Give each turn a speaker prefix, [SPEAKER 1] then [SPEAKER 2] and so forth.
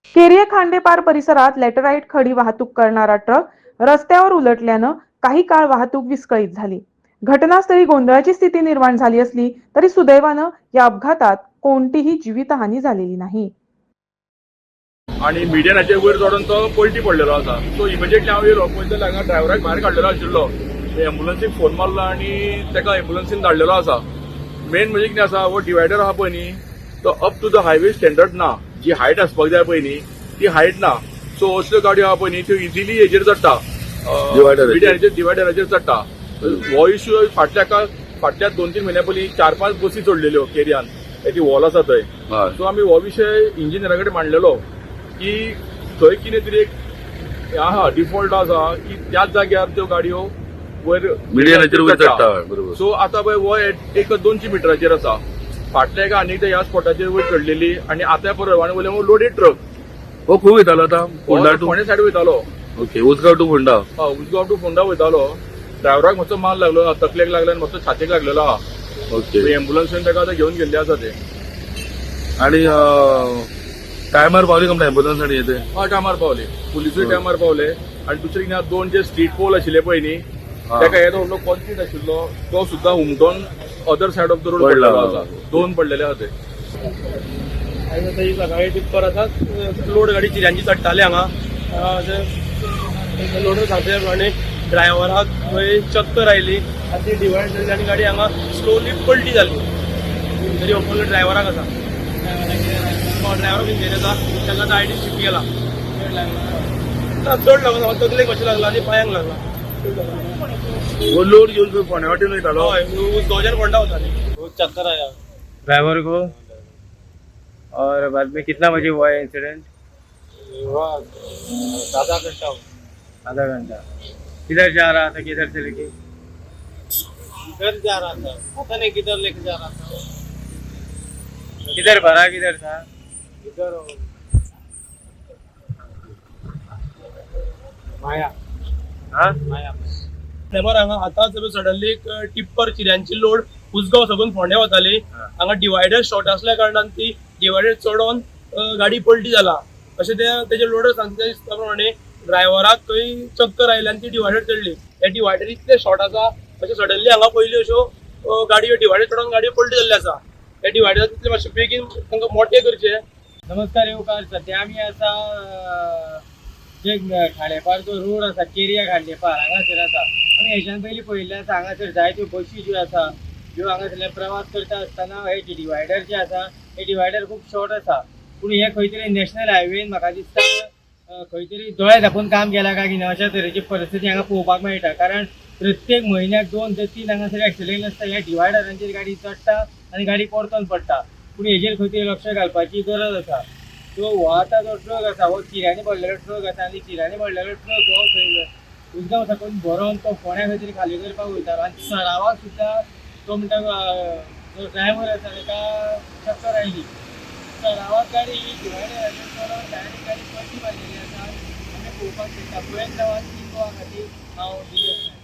[SPEAKER 1] केरिया खांडेपार परिसरात लॅटराईट खडी वाहतूक करणारा ट्रक रस्त्यावर उलटल्यानं काही काळ वाहतूक विस्कळीत झाली. घटनास्थळी गोंधळाची स्थिती निर्माण झाली असली तरी सुदैवानं या अपघातात कोणतीही जीवितहानी झालेली नाही.
[SPEAKER 2] आणि मिडियनाचे वयर चढून तो पलटी पडलेलो आसा. सो इमिजिएटली हांव येयलो पळयता हांगा ड्रायव्हराक भायर काडलेलो आशिल्लो. एम्बुलन्सीक फोन मारलो आनी ताका एम्बुलन्सीन धाडलेलो आसा. मेन म्हणजे कितें आसा, हो डिवायडर आहा पळय न्ही, तो up to the highway standard ना. जी हायट आसपाक जाय पळय न्ही ती हायट ना. सो असल्यो गाडयो आहा पळय न्ही त्यो इजिली हेजेर चडटा, डिवायडराचेर चडटा. हो इश्यू फाटल्या 2-3 म्हयन्या पयलीं 4-5 बसी चडलेल्यो केरियान, ती वॉल आसा थंय. सो आमी हो विशय इंजिनियरा कडेन मांडलेलो की थंय कितें तरी एक आहा डिफॉल्ट आसा की त्याच जाग्यार त्यो गाडयो वयर चडटा. सो आतां पळय हो 1-2 मिटराचेर आसा. फाटल्या एका आनीक ह्या स्पॉटाचेर वयर चडलेली आनी आतां परवाने वयले लोडेड ट्रक
[SPEAKER 3] हो खूप वयतालो आता
[SPEAKER 2] फोंडे सायड वयतालो.
[SPEAKER 3] Okay, Usgao to Ponda.
[SPEAKER 2] Usgao to Ponda वयतालो. ड्रायव्हराक मातसो माल लागलो, तकलेक लागलो आनी मातसो छातीक लागलेलो आहा.
[SPEAKER 3] ओके,
[SPEAKER 2] एम्बुलन्सीन ताका आतां घेवन गेल्ले आसा ते.
[SPEAKER 3] आणि टायमार पावली का एम्बुलन्स आणि येते?
[SPEAKER 2] टायमार पावले, पुलिसूय टायमार पावले. आनी दुसरे कितें 2 जे स्ट्रीट पोल आशिल्ले पळय न्ही, ताका येदो व्हडलो कॉन्क्रीट आशिल्लो तो सुद्दां हुमटोन other side of the road पडलेलो आसा. 2 पडलेले आहा ते.
[SPEAKER 4] आयज सकाळी टिप्पर आसा, लोड गाडी चिऱ्यांची चडटाले हांगा. लोडर सांगले प्रमाणे ड्रायव्हराक थंय चक्कर आयली आनी ती डिवायड जाली आनी गाडी हांगा स्लोली पलटी जाली. तरी ओपन ड्रायव्हराक आसा, ड्रायव्हर इंजिन आसा, ताका आतां आयडी शिफ्ट केला. चड लागून तकलेक मातशें लागला आनी पांयांक लागला.
[SPEAKER 3] वो लोड घेऊन फोंड्या वाटेन वयतालो.
[SPEAKER 4] हय, उसगांवच्यान फोंडा वताली. चक्कर आया ड्राइवर को, और बाद में कितना बजे हुआ है इंसिडेंट? आधा घंटा. आधा घंटा. किधर जा रहा था, किधर से लेके? किधर जा रहा था, पता नहीं किधर लेके जा रहा था. किधर भरा, किधर था? इधर माया. हाँ माया. हांगा आतांच सडनली एक टिप्पर चिऱ्यांची लोड उसगांव साकून फोंड्या वताली. हांगा डिवायडर शॉर्ट असल्या कारणान ती डिवायडर चडोवन गाडी पलटी जाला अशें तेजे लोडर सांगता प्रमाणे. ड्रायव्हराक खंय चक्कर आयली आनी ती डिवायडर चडली. हे डिवायडर इतले शॉर्ट आसा अशें सडनली हांगा पयल्यो अश्यो गाडयो डिवायडर चडोवन गाडयो पलटी जाल्ल्यो आसा. हे डिवायडर तितले मातशे बेगीन तांकां मोठे करचे. नमस्कार येवकार. सध्या आमी आसा जे खांडेपार जो रोड आसा केरिया खांडेपार हांगासर आसा. आमी हेच्यान पयलीं पळयल्लें आसा हांगासर जायत्यो बसी ज्यो आसा ज्यो हांगासरल्यान प्रवास करता आसतना हे डिवायडर जे आसा हे डिवायडर खूब शॉर्ट आसा. पूण हे खंय तरी नॅशनल हायवेन म्हाका दिसता खंय तरी दोळे धापून काम केला काय कितें अशा तरेची परिस्थिती हांगा पळोवपाक मेळटा. कारण प्रत्येक म्हयन्याक 2 ते 3 हांगासर एक्सिडेंट आसता. ह्या डिवायडरांचेर गाडी चडटा आनी गाडी परतून पडटा. पूण हेजेर खंय तरी लक्ष घालपाची गरज आसा. सो हो आतां जो ट्रक आसा हो चिऱ्यांनी पडलेलो ट्रक आसा आनी चिऱ्यांनी पडलेलो ट्रक हो थंय उसगांव साकून भरोवन तो फोंड्या खंय तरी खाली करपाक वयतालो. आनी सरावाक सुद्दां तो म्हणटा जो ड्रायव्हर आसा ताका चक्कर आयली. सरावाक गाडी ही डिवायडराचेर चडोवन डायरेक्ट गाडी पलटी मारलेली आसा. आमी पळोवपाक शकता. पळयत रावात की तो खातीर हांव दिलें.